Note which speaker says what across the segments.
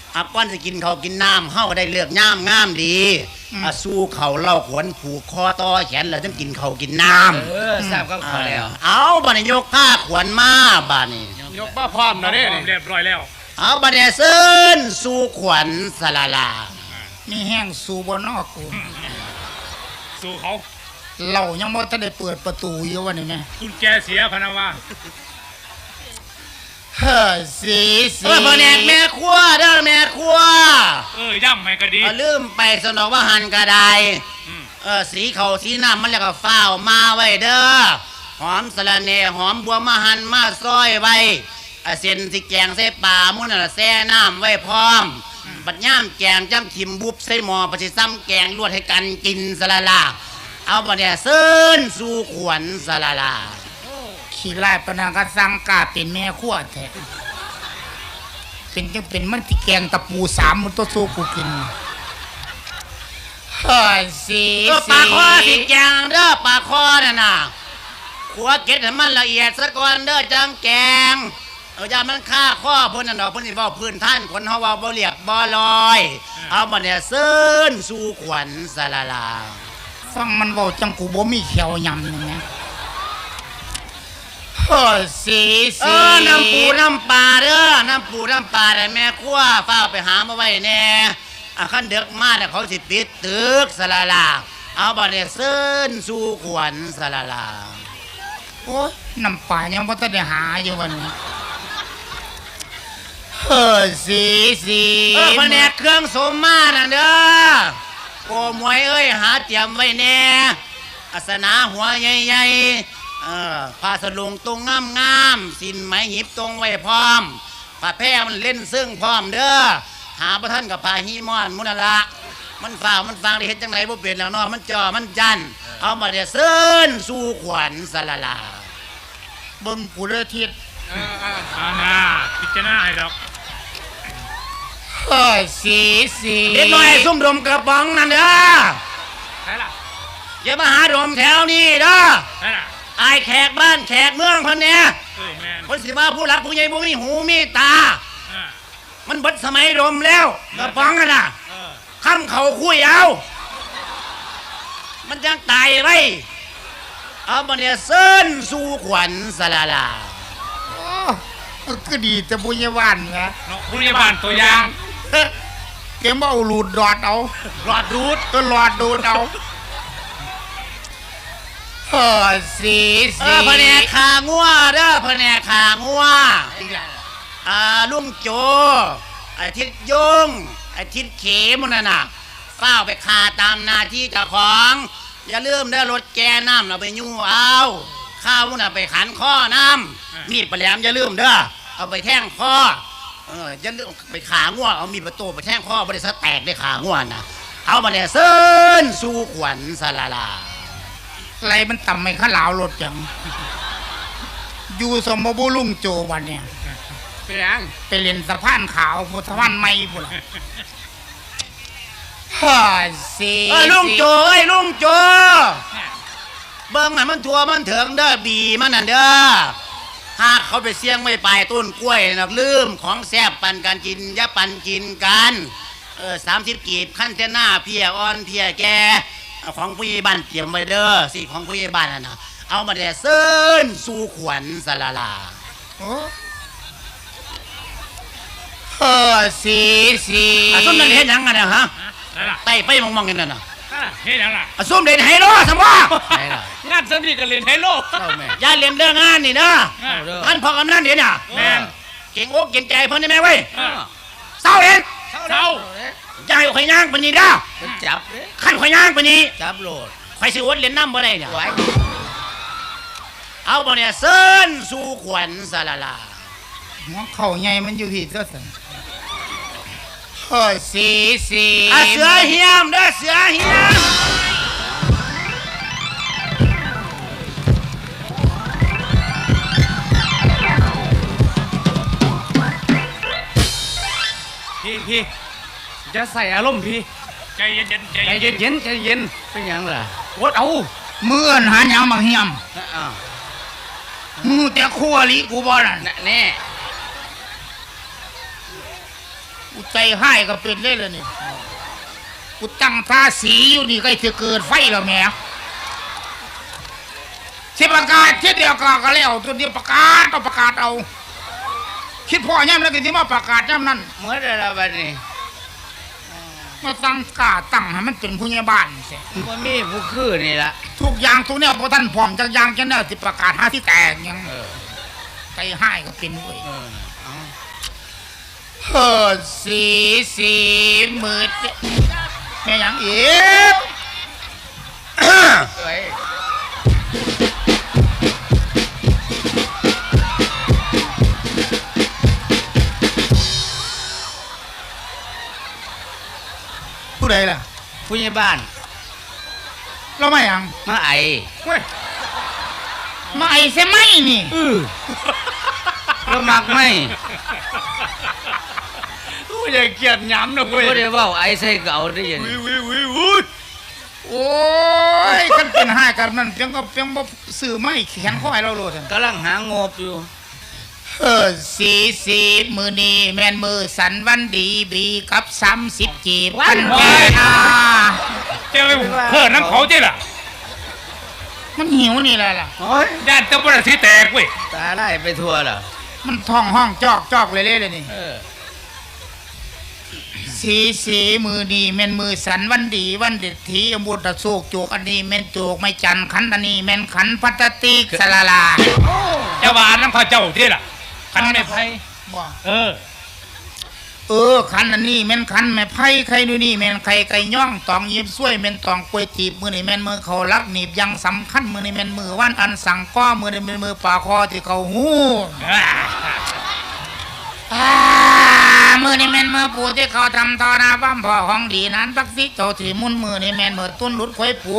Speaker 1: ก่อนจะกินเขากินน้ำเฮาก็ได้เลือกย่ามงามดีสู้เขาเล่าขวนผูกคอต่อแขนแล้วต้องกินเขากินน้ำ
Speaker 2: ทราบก็ขอแล้ว
Speaker 1: เอาบัดนี้ยกผ้าขวนมาบัดนี้
Speaker 2: ยกผ้าพร้อมแล้วเนี่ย
Speaker 3: เรียบร้อยแล้ว
Speaker 1: เอาบัดนี้เซินสู้ขวัญสลาลา
Speaker 4: นี่แห้งสู้บนนอกกู
Speaker 3: สู้เขา
Speaker 4: เรายังไม่ทันได้เปิดประตูอยู่วันนี้แม่
Speaker 3: คุณแกเสียพนาวา
Speaker 4: เฮ้ยสี
Speaker 1: พ่อแม่แม่ครัวเด้อแม่ครัว
Speaker 3: ย่ำไม่ก็ดี
Speaker 1: ลืมไปสนองว่าหันกระไดสีเขาสีน้ำมันแล้วก็ฟ้าวมาไว้เด้อหอมสะระเนหอมบัวมาหันมาซอยไว้เส้นสิแกงใส่ป่ามุ่นน่ะแซ่น้ำไว้พร้อมบัดย่ามแกงจ้ำทิมบุบใส่หม้อปฏิซ้ำแกงลวดให้กันกินสละลาเอาบัดเนี่ยเซินสู่ขวัญสละลา
Speaker 4: ขี้ไล่ปนังก็สั่งกาเป็นแม่ขั้วแท้เป็นจังเป็นมันที่แกงตะปู3มันตัวสู้กูกินเฮ้ยสี
Speaker 1: ปลาคอสิแกงเด้อปลาคอน่ะนะขัวเก็ดให้มันละเอียดซะก่อนเด้อจังแกงอย่ามันฆ่าข้อเพิ่นน่ะดอกเพิ่นสิเว้าพื้นท่านคนเฮาเว้าบ่เรียบบ่ลอยเอาบัดเนี่ยเซินสู่ขวัญสละลา
Speaker 4: ฟังมันเว้าจังกูบ่มีเขียวยำนี่แหมเฮ้ยสี
Speaker 1: น้ำปูน้ำปลาเด้อน้ำปูน้ำปลาได้แม่ครัวฟ้าไปหามาไว้แน่คันเด็กมาเนี่ยเขาสิปิดตึกสละลาเอาบัดเนี่ยเซินสู่ขวัญสละลา
Speaker 4: โอ้ยน้ำปลายังบ่ทันได้หาอยู่วันนี้เฮ้ยสี
Speaker 1: แผนกเครื่องสมมาน่ะเด้อโกมวยเอ้ยหาเตรียมไว้แน่อาสนะหัวใหญ่ๆผ้าสลุงตรงงามๆสินไหมหยิบตรงไว้พร้อมผ้าแพร่มันเล่นซึ่งพร้อมเด้อหาประท่านกับผ้าฮีมอนมุนละมันฝ่ามันฟังได้เห็นจังไหนบ่เปลี่ยนแล้วเนาะมันจ่อมันจันเอามาเดี๋ยวเซินสู่ขวัญสละลา
Speaker 4: เบิ่งกูเด้อทิศ
Speaker 3: พิจารณาให้ดอก
Speaker 4: เฮ้ยสี
Speaker 1: เด็กน้อยซุ่มดมกระป๋องนั่นเด้อ
Speaker 3: ใช่ล่ะ
Speaker 1: อย่ามาหาดมแถวนี้เด้อ
Speaker 3: ใช่ล่ะ
Speaker 1: อายแขกบ้านแขกเมืองคนเนี้ยคนสิมาผู้หลักผู้ใหญ่ผู้มีหูมีตามันเบิดสมัยดมแล้วกระป๋องน่ะข้ามเขาคุยเอามันยังตายไว้เอาบัดเนี่ยเซินสู่ขวัญสละลา
Speaker 4: ก็ดีแต่บุญยาวันนะ
Speaker 3: บุญยาวันตัวอย่าง
Speaker 4: เก็บเอาหลุดดอดเอา
Speaker 1: หลอดดูด
Speaker 4: ก็หลอดดูดเอาเฮ้ยสี
Speaker 1: พะแนกขางัวเด้อพะแนกขางัวลุงโจไอ้ทิศยงไอ้ทิศเขมนั่นน่ะเฝ้าไปขาตามหน้าที่เจ้าของอย่าลืมได้รถแกน้ำเราไปยู่เอาข้าวน่ะไปขันข้อน้ำมีดปลาแหลมอย่าลืมเด้อเอาไปแท่งข้ออย่าลืมไปขางัวเอามีดประตูไปแท่งข้อบริษัทแตกได้ขางัวนะเอามาเนี่ยเซินสู่ขวัญสละลา
Speaker 4: อะไรมันต่ำไม่ข้าหลาวรถจังอยู่สมบูรณ์ลุงโจวันเนี่ยไปเล่นสะพานขาวสะพานไม้พุ่นฮ่าสี
Speaker 1: ลุงโจลุงโจเบิ้งให้มันทัวมันเถิงเด้อบีมันนั่นเด้อหากเขาไปเสี่ยงไม่ไปต้นกล้วยนักลืมของแซ่บปันกันกินยะปันกินกัน30 กีบขั้นเทน่าเพียอ่อนเพียแกของผู้ใหญ่บ้านเตรียมไว้เด้อสิของผู้ใหญ่บ้านน่ะนะเอามาเดี๋ยวเซินสู่ขวัญสละลา
Speaker 4: สี
Speaker 1: ส้มเด่นเห็นยังไงนะฮะไต่ไปมองกันน่ะ
Speaker 3: เห็นยังล่ะ
Speaker 1: ส้มเด่นไฮโลสม
Speaker 3: งานสนิทกันเล่นไฮโล
Speaker 1: อย่าเล่นเรื่องงานนี่นะท่านพอกำนันเดี๋ยวน่ะเก่งอกเก่งใจเพิ่นได้ไหมเว้ยเศร้าเด่น
Speaker 3: เศร้า
Speaker 1: อย่าให้ข่อยย่างปนี้ด้
Speaker 4: จับ
Speaker 1: ขั้นข่อยย่างปนี้
Speaker 4: จับโหลด
Speaker 1: ข่อยสิอดเล่นน้ำบ่ได้เนี่ยเอาบ่เนี่ยเซินสู่ขวัญสละลา
Speaker 4: หัวเข่าใหญ่มันอยู่ที่ตัวสันเฮ้ยสี
Speaker 1: เสือเหี้ยมเด้อเสือเหี้ยม
Speaker 2: พี่จะใส่อารมณ์พี่
Speaker 3: ใจเย็น
Speaker 2: เป็นยังล่ะวดเอา
Speaker 4: เมื่อนหาหยังมาเหี้ยมแต่ขั้วลิกูบ่น่ะ
Speaker 2: แน่
Speaker 4: กูใจให้ก็เป็นได้เลยนี่กูตั้งท่าสีอยู่นี่ใกล้จะเกิดไฟแล้วแหม่สิประกาศเช่นเดียวกันก็แล้วตัวเดียวประกาศต้องประกาศเอาคิดพ่อย่ำแล้วก็ที่มาประกาศย่ำนั้น
Speaker 1: เมื่อไรละบัดนี้
Speaker 4: มาตั้งกาตั้งให้มันเป็นผู้ใหญ่บ้านเสีย
Speaker 1: มันมีผู้คือนี่ละ
Speaker 4: ทุกอย่างทุกเนี่ยพอท่านพร้อมจักอย่างจังเนี่ยที่ประกาศหาที่แตกยังใจให้ก็เป็นเว้ยสีมืดแม่ยังอีกผู้ใดล่ะ
Speaker 1: ผู้ใหญ่บ้าน
Speaker 4: เราไม่ยัง
Speaker 1: มาไอ
Speaker 4: มาไอ้เสไหมนี่
Speaker 1: แล้วมักไหม
Speaker 3: กูอย่าเกลียดหย้ำนะเว้ย
Speaker 1: ก็ได้เว่าไอใส่เก่าได้ยัง
Speaker 3: วิว
Speaker 4: โอ้ยกันเป็นห้ากันนั่นเพียงก็เพียงบ่ซื้อไม่แขนข้อให้เราโลด
Speaker 1: กำลังหางบอยู่
Speaker 4: สีมือนี้แม่นมือสันวันดีบีกับ30จีบกันแก่นา
Speaker 3: เจ้าเพิ่นน้ำเขาเจ้ล่ะ
Speaker 4: มันหิวนี่แหละล่ะ
Speaker 1: โอ้ย
Speaker 3: ญาติเจ้าบ่ได้สิแตกเว้ย
Speaker 1: ตาไล่ไปทั่วเหรอ
Speaker 4: มันท้องห้องจอกเลยเลยนี่สีมือนี้แม่นมือสันวันดีวันเด็ดทีอมุตะโศกโจกอันนี้แม่นโจกไม่จันขันอันนี้แม่นขันพัตติกสลาลา
Speaker 3: เจ้าว่าน้ำเขาเจ้าเจ้ล่ะคันไม่ไผ
Speaker 4: บ่ขันอันนี้แม่นขันแม่ไผ่ไข่ดูนี่แม่นไข่ไก่ย่องตองยิบซ้วยแม่นตองกล้วยจีบมือนี่แม่นมือเขารักหนีบยังสำคัญมือนี่แม่นมือว่านอันสั่งก้อมือนี่แม่นมือป่าคอที่เขาหูมือนี่แม่นมือปูที่เขาทำทอนาบ้ามพ่อของดีนั้นปักซิโจที่มุนมือนี่แม่นมือตุ้นหลุดควายปู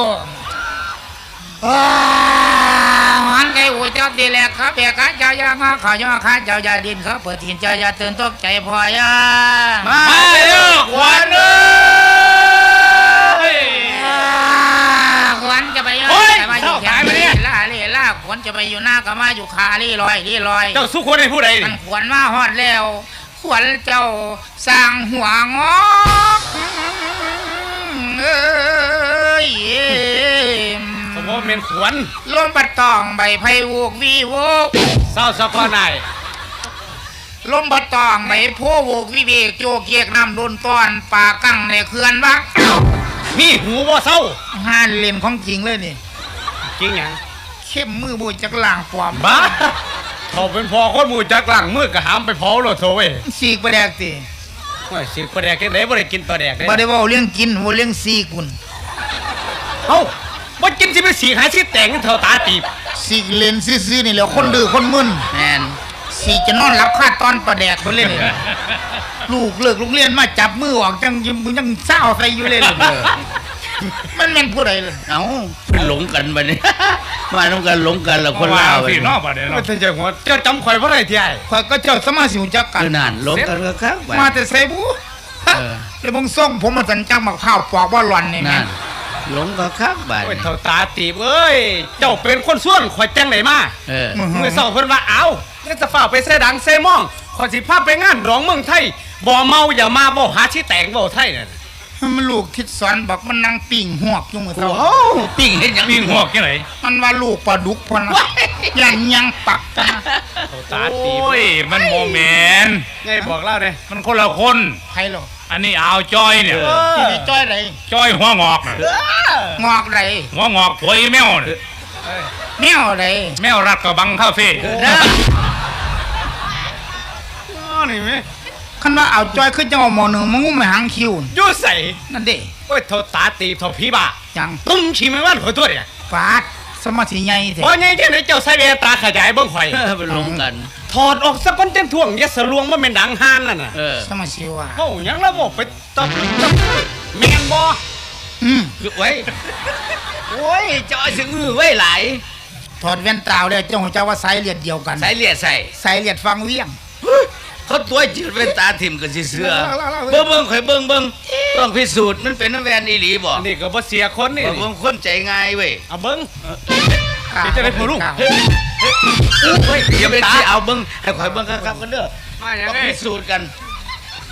Speaker 4: หันไก่หูเจ้าดีแหลกครับเบียกเจ้ายางาขย่อข้าเจ้ายาดินเขาเปิดถิ่นเจ้ายาตื่นตกใจพอยา
Speaker 3: มาเด้อขวัญเอ้ย
Speaker 4: ขวัญจะไปอยู่แต่มาอยู่แขนล่าขวัญจะไปอยู่หน้าก็มาอยู่ขาลี่ลอย
Speaker 3: เจ้าสู้คนให้ผู้ใด
Speaker 4: มันขวัญมาฮอดแล้วขวัญเจ้าสร้างหัวงอกเอ้ย
Speaker 3: ผมว่าเป็นขวัญ
Speaker 4: ลมปัดตองใบไผ่วูกวีโวก
Speaker 3: เศร้าสักนาย
Speaker 4: ลมปัดตองใบโพวูกวิเวกโจเกียกน้ำโดนต้อนป่ากั้งในเขื่อนวัก
Speaker 3: มีหูบ่เศร้า
Speaker 4: ห้านเล่นของจริงเลยนี่
Speaker 3: จริงหยัง
Speaker 4: เข้มมือบุยจากล่างปลอม
Speaker 3: บ้าเขาเป็นพอคนหมู่จักหลังมือกะหามไปเผาโลดโซเว้ย
Speaker 4: สีกประแดกติ
Speaker 3: ว่าสิปลาแดกจังได๋บ่ได้กินปลาแดกเด้
Speaker 4: บ่ได้เว่าเรื่องกินว่าเรื่องสีกุน
Speaker 3: เอ้าบ่กินสิไปสีหาสิแต่งเท่าตาตีบ
Speaker 4: สีเล่นซื่อๆนี่แหละคนดื้อคนมึน
Speaker 1: แมน
Speaker 4: สีจะนอนรับค่าตอนประแดกคนเล่นนี่ลูกเลิกโรงเรียนมาจับมือออกจังยังเศร้าใส่อยู่เลยมันแม่นผู้ใดเลย
Speaker 1: เอ้าเพิ่นหลงกันบัดนี้ มาต้องกันหลงกันแล้วคนลาว
Speaker 3: พี่น้องบ่ได้เนาะเจ้าหัวเจ้าจำข่อยบ่ได้ที่ไอ้
Speaker 4: ข่อยก็เจ้าสมาสิวจักกัน
Speaker 1: คือนั่นหลงกันก็ครับบัด
Speaker 4: มาแต่ใส่บูเลยบงส่งผมมาสันจังมาข้าวปอกว่าหล่อนนี่
Speaker 1: นั่นหลงก็ครับบัด
Speaker 3: โอ้ยเท่าตาตีบเอ้ยเจ้าเป็นคนส่วนข่อยจังไดมา
Speaker 1: เ
Speaker 3: เมื่อเช้าเพิ่นว่าเอาแล้วจะฝ้าไปใส่ดังใส่หม้องขอยสิพาไปงานร้องเมืองไทยบ่เมาอย่ามาบ่หาที่แต่งบ่ไทยนั่น
Speaker 4: มันลูกทิดสอนบอกมันนั่งปิ่งหวกอยู่มือเท่า
Speaker 1: โอ้ปิ้งเห็นหยัง
Speaker 3: มีหัวจังได
Speaker 4: มันว่าลูกปลาดุกพอนะยังปักนะ
Speaker 3: เท่าตาตีบโอ้ยมันบ่แม่นไงบอกเล่าเด้มันคนละคน
Speaker 4: ใครหรอ
Speaker 3: อันนี้อ่าวจ้อยเนี่ย
Speaker 4: ที่ได้จ้อยไร
Speaker 3: จ้อยหัวงอกน่ะ
Speaker 4: งอกไร
Speaker 3: หัวงอกถวยแมวน่ะ
Speaker 4: แมวไร
Speaker 3: แมวรัดกระบังคาเฟ่นี่แม่
Speaker 4: คันว่าเอาจ้อยขึ้นจังหวะหมอหนึ่งมึงไม่หางคิว
Speaker 3: อยู่ใส่
Speaker 4: นั่นเด้
Speaker 3: โอ้ยเท่าตาตีบเท่าผีบ้า
Speaker 4: จัง
Speaker 3: ตุ้มชิมวันข่อยตัวเนี่ย
Speaker 4: ฟาดสมาธิใหญ่แท้
Speaker 3: บ่ใหญ่จังได๋เจ้าใส่แววตาขยายเบิ่งข่อย
Speaker 1: เป็นหลงกัน
Speaker 3: ถอดออกซะก่อนจังท่วงอย่าสะลวงบ่แม่นดังห่านนั่นน่ะ
Speaker 4: สมาธิว่า
Speaker 3: เฮาหยังละบ่ไปตบแม่นบ่
Speaker 1: คือไว้โอ้ยเจ้าสิอื้อไว้หลาย
Speaker 4: ถอดแว่นตาเลยเจ้าของเจ้าว่าสายเลือดเดียวกัน
Speaker 1: ใส่เลียดใส่
Speaker 4: สายเลือดฟังเวียง
Speaker 1: เขาตัวจืดเป็นตาถิ่มกันสิเสือเบิ่งข่อยเบิ่งต้องพิสูจน์มันเป็นน้ำแวนอีหลีบ่
Speaker 3: อันนี้ก็บ่เสียคนนี่
Speaker 1: บ่คนใจง่ายเว้ย
Speaker 3: เอาเบิ่ง เดี๋ยวจะได้ผู้ลุง
Speaker 1: เฮ้ยอย่าไปสิเอาเบิ่งให้ข่อยเบิ่งครับกันเด้อ
Speaker 3: มาหยัง
Speaker 1: ต้อง
Speaker 3: ไง
Speaker 1: พิสูจน์กัน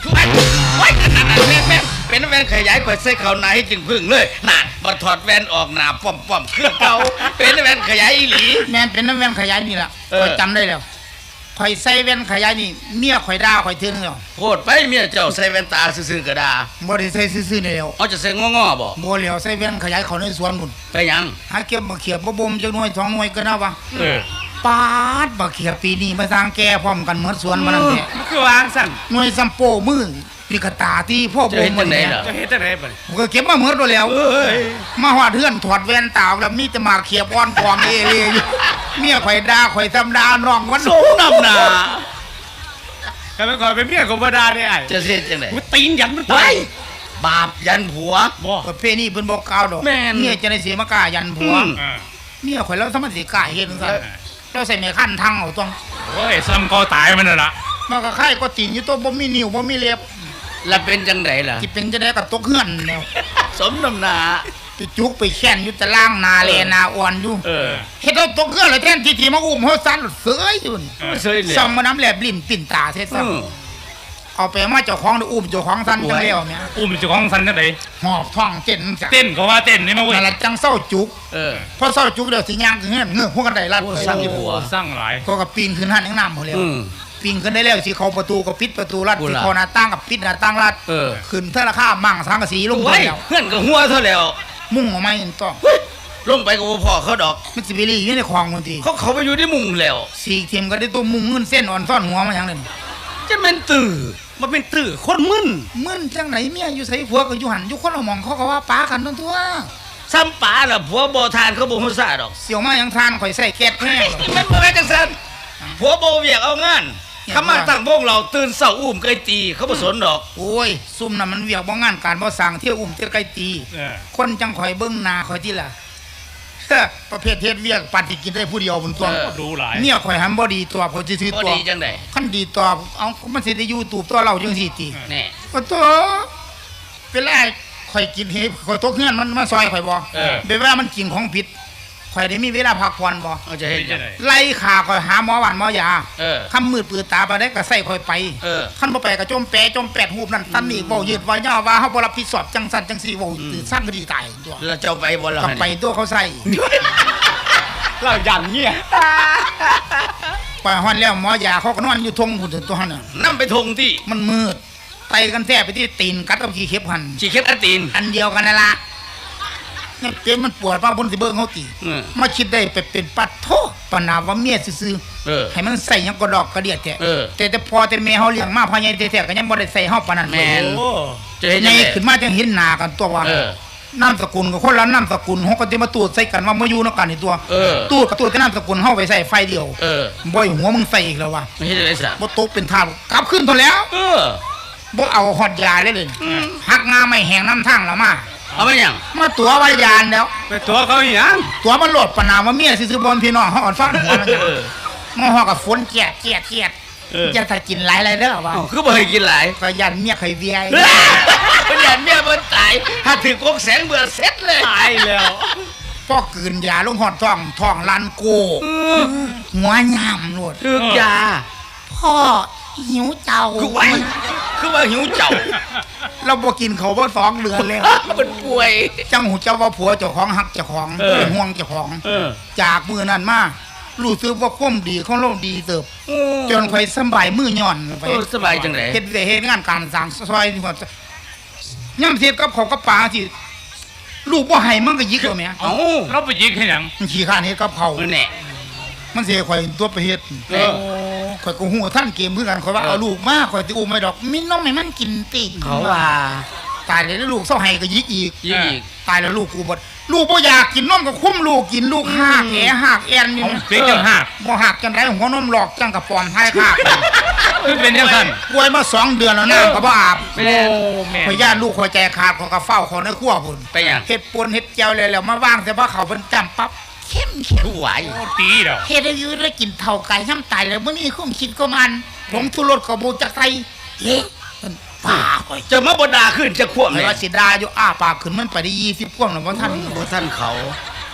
Speaker 3: ไว้นั่นแม่เป็นแว่นขยายข่อยใส่เขาในให้จึงพึ่งเลยน่ะบ่ถอดแว่นออกหน้าป้อมเครื่องเก่าเป็นแว่นขยายอีหลี
Speaker 4: แม่นเป็นน้ำแว่นขยายนี่ล่ะข่อยจำได้แล้วข่อยใส่แว่นขยายนี่เมียข่อยด่าข่อยเทื่อนึงแล้ว
Speaker 3: โพดไปเมียเจ้าใส่แว่นตาซื่อๆก็ได้
Speaker 4: บ่ได้ใส่ซื่อๆนี่แล้ว
Speaker 3: เอาจะใส่ง้อๆบ่
Speaker 4: บ่แล้วใส่แว่นขยายเขาในสวนพุ่น
Speaker 3: ไปหยัง
Speaker 4: หาเก็บมาเขียบบ่บ่มจักหน่วย2หน่วยก็น่าวะ
Speaker 2: เออ
Speaker 4: ปาดบักเขียบปีนี้มาสร้างแก่พร้อมกันหมดสวนมานั่นแหละ
Speaker 2: มันคือวางสั่น
Speaker 4: หน่วยซัมโปมือนี่ก็ตาที่พ่อ
Speaker 3: จะ
Speaker 4: บ่
Speaker 3: เห็น
Speaker 4: ม
Speaker 3: จังได๋ล่ะ
Speaker 2: จะเฮ็ดจังได๋บัดนี้
Speaker 4: ผมก็เก็บมาหมดแล้ว มาหอดเฮือนถอดแว่นตาแล้วมีแต่มาเขียบอ้อนกองเออยู่เมียข่อยด่าข่อยทำด่าน้องมัน
Speaker 3: สมน้ำหน้า
Speaker 2: ก็เป็นขอยเป็นเมียของบ่ได้ได้ไอ้
Speaker 3: จะเฮ็ดจังได๋
Speaker 2: กูตีนยันมัน
Speaker 3: ไว้
Speaker 2: ตาย
Speaker 3: บาปยันผัว
Speaker 2: บ่
Speaker 4: ประเพณีเพิ่นบ่กล่าวดอก
Speaker 3: แม่น
Speaker 4: เมียจะได้สิมากล้ายันผัว
Speaker 2: อ่า
Speaker 4: เมียข่อยแล้วสมัสิกล้าเฮ็ดจังซั่นแล้วใส่แม่คั่นทางเอาต้อง
Speaker 2: โอ้ยซ้ำคอตายมันน่ะล่ะ
Speaker 4: มันก็คล้ายก็ตีนอยู่ตัวบ่มีนิ้วบ่มีเล็บ
Speaker 3: แล้วเป็นจังได๋ล่ะ
Speaker 4: สิเป็นจะได้กับตกเฮือนแล้ว
Speaker 3: สมน้ำหน้า
Speaker 4: ไปจุกไปแค้นอยู่ตะล่างนาแลนาอ่อนอยู่
Speaker 2: เออ
Speaker 4: เฮ็ดเอาตกเฮือนแล้วแทนที่มาอุ้มเฮาสั่นเสยอยู่นี่
Speaker 3: เสยเลย
Speaker 4: ซ่อมมาน้ำแลบลิ้นปิ่นตาเฮ็ดซะเอาไปมาเจ้าของได้อุ้มเจ้าของสั่นจังแล้วแม่
Speaker 2: อุ้มเจ้าของสันจังได๋
Speaker 4: หอบท้องเต้นจ้ะ
Speaker 2: เต้นก็ว่าเต้นนี่มาเว้ย
Speaker 4: นั่นละจังเศร้าจุก
Speaker 3: เออ
Speaker 4: พอเศร้าจุกเดี๋ยวสิย่างขึ้นเฮือนเงือกพวกกันได้ลัด
Speaker 3: โอ้สร้างอยู่
Speaker 2: โอ้สร้างหลาย
Speaker 4: ก็กับปีนขึ้นหันยังน้ำหมดแล้ว
Speaker 3: อืม
Speaker 4: ปีนขึ้นได้แล้วสิเข้าประตูก็ปิดประตูลัด
Speaker 3: โอ้
Speaker 4: สิ
Speaker 3: ล่ะ
Speaker 4: เข้าหน้าต่างกับปิดหน้าต่างลัด
Speaker 3: เออ
Speaker 4: ขึ้นเท่าราคามั่งสังกะสีลงไป
Speaker 3: ไว้
Speaker 4: แล้ว
Speaker 3: เพื่อนก็หัวเท่าแล้ว
Speaker 4: มุ่งออกมาเห็นต้อง
Speaker 3: ลงไปก็บ่พอเขาดอก
Speaker 4: มันสิไปรีอยู่ในคลองบางที
Speaker 3: เขาไปอยู่ที่มุงแล้ว
Speaker 4: สีเทียมก็ได้ตัวมุ่งเงินเส้นอ่อนซ่อนหัวมาอย่างนั้น
Speaker 3: จะแม่นตื่อ
Speaker 2: มันเป็นตื้อคนมึน
Speaker 4: มึนจังไหนเมียอยู่ใส่ผัวก็อยู่หันอยู่คนละหมองเขาก็ว่าป้ากันทั้งทั่ว
Speaker 3: ซ้ำป๋าล่ะผัวบ่ทานเขาบ่ฮู้ซ่าดอก
Speaker 4: เสี่ยวมาอย่างทานข่อยใส่แก๊สแห้ง
Speaker 3: แม่นบ่แม่นจังซั่นผัวบ่เวียกเอางานคำมาตั้งวงเราตื่นเช้าอุ้มไก่ตีเขาบ่สนดอก
Speaker 4: โอ้ยซุ่มน่ะมันเวียกบ่งานการบ่สั่งเที่ยวอุ้มเที่ยวไกลตี
Speaker 2: เออ
Speaker 4: คนจังข่อยเบิ่งหน้าข่อยที่ล่ะ ประเภทเฮ็ดเวียกปัดที่กินได้ผู้เดียวบนตัว
Speaker 2: ดูหลาย
Speaker 4: เมียข่อยหันบ่ดีตัวข่อยสิถือ
Speaker 3: บ่
Speaker 4: ตัว
Speaker 3: ดีจังได๋
Speaker 4: คันดีตัวเอามันสิได้อยู่ตูบตัวเราจังซี่ติ
Speaker 3: แน่
Speaker 4: ก็ตัวเป็นไรข่อยกินเฮ็ดข่อยตกเฮือนมันมาซอยข่อยบ่
Speaker 2: เออ
Speaker 4: เป็นเวลามันกินของผิดข่อยได้มีเวลาพักผ่อนบ่
Speaker 3: เอาจะเฮ็ด
Speaker 2: เป็น
Speaker 3: จั
Speaker 2: จั
Speaker 3: ง
Speaker 2: งได๋
Speaker 4: ไล่ขาข่อยหาหมอหวานหมอยา
Speaker 3: เออ
Speaker 4: คำมืดปืนตาบ่ได้ก็ใส่ข่อยไป
Speaker 3: เออ
Speaker 4: คันบ่ไปก็จมแปะจมแปดหูบนั่นตันนี่เว้ายืดว่ายาวว่าเฮาบ่รับผิดชอบจังซั่นจังซี่เว้าตื่นสั่นก็ดีตายตัว
Speaker 3: แล้วเจ้าไปบ่ล่ะ
Speaker 4: ก็ไปตัวเขาใส่
Speaker 2: เรายันเงี้ย
Speaker 4: ไปฮอดแล้วหมอยาเขาก็นอนอยู่ทงพุ่นตัวหั่นน่ะ
Speaker 3: นำไปทงที่
Speaker 4: มันมืดไตกันแท้ไปที่ตีนกัดกับขี้เข็บหั่น
Speaker 3: สิเข็ดอันตีน
Speaker 4: อันเดียวกันนั่นล่ะนี่เจ็บมันปวดมาบนสิเบิ่งเฮาติ
Speaker 3: เออ
Speaker 4: มาคิดได้ไปเป็นปัดโทปนาว่าเมียซื่อ
Speaker 3: เออ
Speaker 4: ๆให้มันใส่หยังก็ดอกกระเดียดแท้
Speaker 3: เออ
Speaker 4: แต่พอแต่แม่เฮาเลี้ยงมาพ่อใหญ่แท้ๆก็ยังบ่ได้ใส่เฮาปานนั้น
Speaker 3: แม่น
Speaker 2: โอ้
Speaker 3: จะเฮ็ด
Speaker 4: ให
Speaker 3: จั
Speaker 4: ญ่
Speaker 3: งได๋
Speaker 4: ขึ้นมาจังเห็นหน้ากันตัวว่า
Speaker 3: เออ
Speaker 4: นามสกุลกับคนละนามสกุลเฮาก็สิมาตูดใส่กันว่ามาอยู่นำกันนี่ตัว
Speaker 3: เออ
Speaker 4: ตูดกับตูดกับนามสกุลเฮาไปใส่ไฟเดียว
Speaker 3: เออ
Speaker 4: บ่อยหัวมึงใส่อีกแล้วว่ะ
Speaker 3: ไม่เฮ็ดจังได๋ซะ
Speaker 4: บ่ตกเป็นทางกลับขึ้นเท่าแล้ว
Speaker 3: เออ
Speaker 4: บ่เอาฮอดยาเลยหักงาไม่แห้งน้ำทางแล้วมา
Speaker 3: เอาไปหยัง
Speaker 4: มาตัวว่ายานแล้ว
Speaker 2: ไปตัวเขาอีหยัง
Speaker 4: ตัวมันโหลดปะนามว่าเมียซื่อๆบนพี่น้องเฮาอ่อนฟังหัวมัน
Speaker 3: เออ
Speaker 4: มาฮอกับฝนเกียดจะถ้ากินหลายๆเด้อว่า
Speaker 3: อ้าวคือบ่ให้กินหลาย
Speaker 4: ก็ยันเมียเคยเวีย
Speaker 3: เพิ่นอยากเมียเพิ่นตาย ถ้าถึงกกแสงเบื่อเสร็จเลย
Speaker 2: ตายแล้ว
Speaker 4: พ่อกืนยาลงหอดท้องลันโกหัวยามโลด
Speaker 3: ถึกยา
Speaker 4: พ่อหิวเจ้า
Speaker 3: คือไว้คือว่าหิวเจ้า
Speaker 4: เราบ่กินเขาวบ่2เดือนแล้ว
Speaker 3: มันป่วย
Speaker 4: จังหูเจ้าว่าผัวเจ้าของหักเจ้าของเป็นห่วงเจ้าของ
Speaker 2: เออ
Speaker 4: จากมือนั้นมารู้สึกว่าความดีของเราดีเติบจนข่อยสำบายมือย่อนไป
Speaker 3: เออสบายจังได๋
Speaker 4: เฮ็ดได้เฮ็ดงานการสร้างซอยนี่ว่าย่ำเทียบกับเขาวกับปลาที่ลูกบ่ให้มันก็ยิกเอาแหม่
Speaker 3: เอ้า
Speaker 2: เราไปยิงให้หยัง
Speaker 4: มันขี้ข้านเฮ็ดกับเขาว
Speaker 3: แน่
Speaker 4: มันสิให้ข่อยตัวไปเฮ็ด
Speaker 3: เออ
Speaker 4: ข่อยก็ฮู้ท่านเกมคือกันข่อยว่าเอาลูกมาข่อยสิอุ้มไม่ดอกมีน้องให้มันกินติ
Speaker 3: เขาว่า
Speaker 4: ตายแล้วลูกเศร้าให้ก็ยิกอีก
Speaker 3: ยิงอีก
Speaker 4: ตายแล้วลูกกูบ่ลูกบ่อยากกินนมก็คุ้มลูกกินลูกหากแหหากแอนนี่
Speaker 2: เอาเป็นจังหัก
Speaker 4: บ่หักจังไดหัวนมหลอกจังกับปอมท้ายคาก
Speaker 2: คือเป็นจังซั่น
Speaker 4: ป่วยมา2 เดือนแล้วน้ำก็บ่อาบ
Speaker 3: ไม่แน่
Speaker 2: โอ้แม่
Speaker 4: ข่อยย่านลูกข่อยใจขาดข่อยก็เฝ้าเขาในครัวพุ่น
Speaker 3: ไปหยัง
Speaker 4: เฮ็ดปนเฮ็ดแจ่วแล้วมาวางแต่ว่าเขาเพิ่นจำปั๊บเข้ม
Speaker 3: ผู้ไหว
Speaker 2: โอ้ตีเด้อ
Speaker 4: เฮ็ดให้อยู่ได้กินเท่าไก่น้ำตายแล้วบ่มีความคิดก็มันผงชูรสก็บ่จักใส่เอ๊ะมันป่าข่อย
Speaker 3: จะมาบ่ด่าขึ้นจะควบ
Speaker 4: ข่อ
Speaker 3: เลย ย
Speaker 4: ว่าสิดาอยู่อ้าปากขึ้นมันไปได้20พวงแล้วบ่ทัน
Speaker 3: บ่ท่านเขา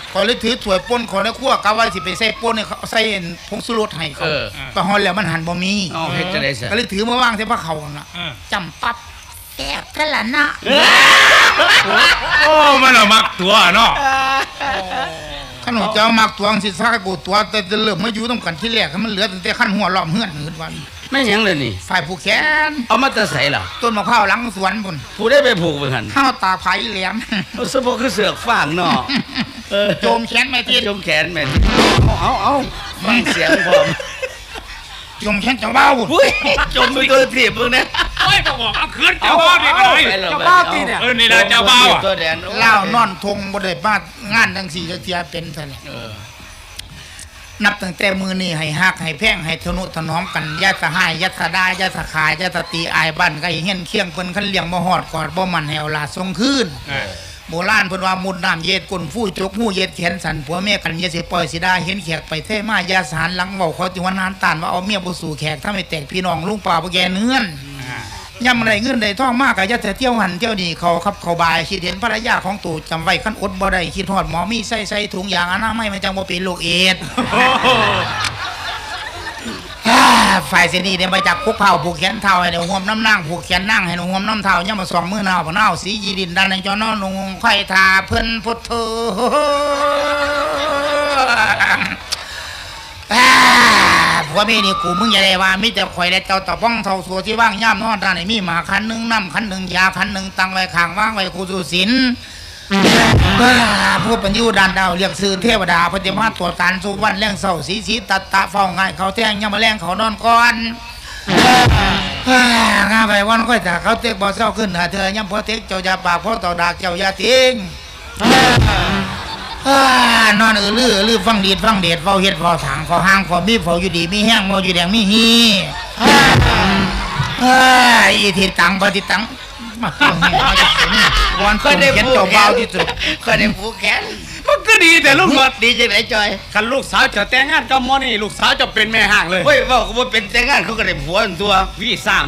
Speaker 4: ขอเลยถือถ้วยป่นขอในครัวกะว่าสิไปใส่ป่นเนี่ยเขาใส่ผงชูรสให้เขาไปฮอนแล้วมันหันบ่มี
Speaker 3: อ๋อเฮ็ดจะได้ซะ
Speaker 4: ก็เลยถือมาวางใส่ผ้าเขาน่ะจำปั๊บแซ่บกันละนะ
Speaker 2: โอ้มันเอามักตัวเนาะ
Speaker 4: ขนมเจ้ามักตวงสิซากกูตัวแต่เริ่มมาอยู่ต้องกันที่แรกมันเหลือแต่ขั้นหัวล้อมเฮือนหืดวัน
Speaker 3: แม่นหยังเลยนี่
Speaker 4: ฝ่ายผู้แขน
Speaker 3: เอามาแต่ใส่ล่ะ
Speaker 4: ต้นมะพร้าวหลังสวนพุ่น
Speaker 3: ผู้ได้ไปผูกไปหั่น
Speaker 4: ข้าวตาไผ่แหลม
Speaker 3: เอาสะโพกคือเสือกฟางเนาะ
Speaker 4: โจมแขนไม่ติด
Speaker 3: จมแขนแม่นเอาฟังเสียงพร้อม
Speaker 4: โจมแขนเจ้าเบ้าพุ่น
Speaker 3: อุ้ยจมไปตัวถีบมึงนะ
Speaker 2: โอ้ยบอกเอาคืนเจ้าบ้านี่ก็ได้
Speaker 3: เจ้าบ้าตีเนี่ย
Speaker 2: นี่แหละเจ้าบ้าอ่ะ
Speaker 3: ตัวแดน
Speaker 4: เล่านอนทงบ่ได้มางานจังสี่จักเทียเป็นซะแล้วนับตั้งแต่มือนี่ให้ฮักให้แพงให้ทนุถนอมกันอย่าสะหายอย่าสะดาอย่าสะขายอย่าสะตีอายบ้านไกลเฮียนเคียงเพิ่นคันเลี้ยงบ่ฮอดกอดบ่มันแหวลาส่งคืนโบราณเพิ่นว่ามุดน้ำเย็ดก้นฟู่จกหูเย็ดแขนสั่นผัวเมียกันอย่าสิปล่อยสิดาเห็นแขกไปเท่มาอย่าสารหลังเว้าเขาจิวันนานตานว่าเอาเมียบ่สู่แขกถ้าไม่แตกพี่น้องลุงป่าบ่แกเนื้อนย่ำไรเงินได้ทองมากก็อย่าแต่เที่ยวหันเที่ยวนี่เขาครับเขาบายคิดเห็นภรรยาของตู่จำไว้คันอดบ่ได้คิดฮอดหมอมีใส่ถุงยางอนามัยมันจังบ่เป็นโรคเอดส์ ฝ่ายเสนีเนี่ยมาจากคุกเผาผูกแขนเท้าให้เดี๋ยวห่วมน้ำนั่งผูกแขนนั่งให้เดี๋ยวห่วมน้ำเท้าย่ำมาสองมือหนาวผนาวสียีดินดันในจอนอนงไข่ทาเพิ่นพุทโธผัวเมียนี่กูมึงอย่าได้ว่ามิแต่ข่อยและเจ้าตะป้องเท่าสัวที่ว่างย่ำนอนด้านไหนมีหมาคันหนึ่งน้ำคันหนึ่งยาคันหนึ่งตังไว้ข้างว่างไว้กูสุสินผู้เป็นยูดานดาวเรียกซื้อเทวดาปฏิมาตรวจการสุวรรณแรงเศร้าสีสีตัดตะเฝ้าง่ายเขาแท่งยังมาแรงเขานอนก่อนงาไปวันค่อยถ้าเขาเต็กบ่เศร้าขึ้นหาเธอยังพอเต็กเจ้าอย่าปากพอต่อดากเจ้าอย่าทิ้งนอนลือฟังดีดฟังเดชเฝ้าเฮ็ดเฝ้าถางเฝ้าห้างเฝ้ามีเฝ้าอยู่ดีมีแห้งเฝ้าอยู่แดงมีฮีอีทิตังปฏิตังมาตัวนี้มาจากนี่วันก็ได้ผูกเจ้าเบาที่สุด
Speaker 3: ก็ได้ผูกแขน
Speaker 2: มันก็ดีแต่ลูกหมด
Speaker 3: ดีจังไหนจอย
Speaker 2: คันลูกสาวจะแต่งงานกับหมอนี่ลูกสาวจะเป็นแม่ห้างเลย
Speaker 3: เฮ้ยว่าก็บ่เป็นแต่งงานเขาก็ได้ผัวอันตัว
Speaker 2: พี่สร้าง